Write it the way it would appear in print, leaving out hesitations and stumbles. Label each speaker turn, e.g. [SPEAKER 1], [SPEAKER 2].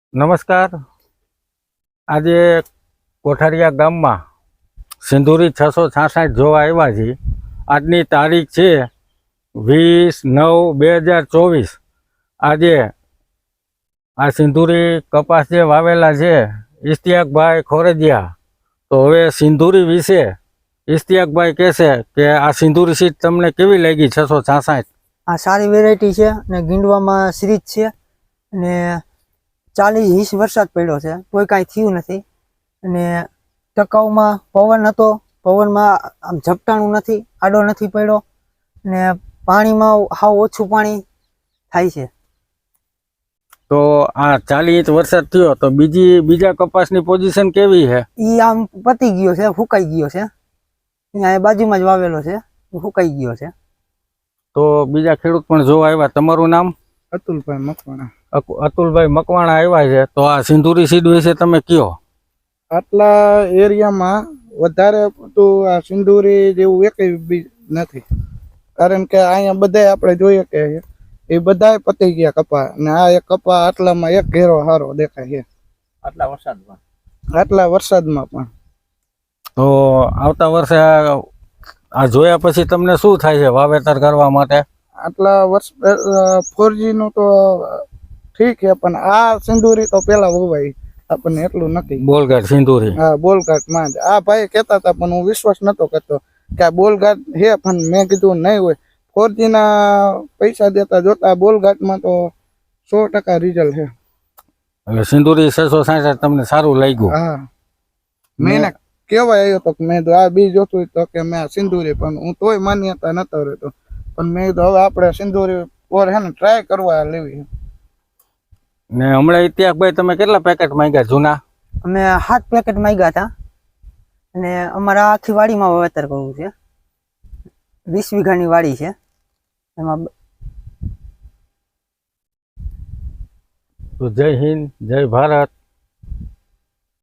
[SPEAKER 1] નમસ્કાર. આજે કોઠારિયા ગામમાં સિંધુરી 666 જોવા આવ્યા છીએ. આજની તારીખ છે 20/9/2024. આજે આ સિંધુરી કપાસ જે વાવેલા છે ઇશ્તિયાકભાઈ ખોરજીયા. તો હવે સિંધુરી વિશે ઇશ્તિયાકભાઈ કહેશે કે આ સિંધુરી સીટ તમને કેવી લાગી 666?
[SPEAKER 2] આ સારી વેરાયટી છે અને ગીંડવામાં સિરીજ છે અને 40-20 વરસાદ પડ્યો છે, કોઈ કાંઈ થયું નથી. અને ટકાઉમાં પવન હતો, પવનમાં આમ ઝપટાણું નથી, આડો નથી પડ્યો અને પાણીમાં હાવ ઓછું પાણી થાય છે.
[SPEAKER 1] તો આ 40 ઇંચ વરસાદ થયો તો બીજા કપાસની પોઝિશન કેવી છે?
[SPEAKER 2] એ આમ પતી ગયો છે, ફૂંકાઈ ગયો છે. અહીંયા બાજુમાં જ વાવેલો છે, ફૂંકાઈ ગયો છે.
[SPEAKER 1] તો બીજા ખેડૂત પણ જોવા આવ્યા. તમારું નામ?
[SPEAKER 3] અતુલભાઈ મકવાણા.
[SPEAKER 1] અતુલભાઈ મકવાણા આવ્યા છે. તો આ સિંધુરી સીડ વિશે તમે કયો.
[SPEAKER 3] આટલા એરિયામાં વધારે તો આ સિંદૂરી જેવું એક બી નથી, કારણ કે અહીંયા બધાય આપણે જોઈએ કે એ બધાય પતી ગયા કપા, અને આ એક કપા આટલામાં એક ઘેરો સારો દેખાય છે આટલા વરસાદમાં પણ.
[SPEAKER 1] તો આવતા વર્ષે આ જોયા પછી તમને શું થાય છે વાવેતર કરવા માટે?
[SPEAKER 3] આટલા વર્ષ 4G નું તો ઠીક છે, પણ આ સિંદૂરી તો પેલા વવાય આપણને એટલું નથી.
[SPEAKER 1] બોલઘાટ સિંધુરી?
[SPEAKER 3] હા, બોલઘાટમાં જ. આ ભાઈ કહેતા હતા પણ હું વિશ્વાસ નતો કરતો કે આ બોલઘાટ છે, પણ મેં કીધું નહીં હોય. 4G ના પૈસા દેતા જોતા બોલઘાટમાં તો 100% રિઝલ્ટ છે.
[SPEAKER 1] એટલે સિંધુરી 666 તમને સારું લાગ્યું?
[SPEAKER 3] હા, મેં કેવાય આવ્યો તો મેં તો આ બી જોતું તો કે મેં આ સિંધુરી, પણ હું તોય માન્યતા નતો રહેતો. પણ મેં તો હવે આપણે સિંધુરી ઓર હે ને ટ્રાય કરવા લેવી.
[SPEAKER 1] ને હમણાં ઇતિહાસભાઈ તમે કેટલા પેકેટ માંગ્યા જૂના?
[SPEAKER 2] અમે 7 પેકેટ માંગ્યા હતા અને અમારા આખી વાડીમાં વાવેતર કરવું છે. 20 વીઘાની વાડી છે. એમાં
[SPEAKER 1] તો જય હિન્દ, જય ભારત.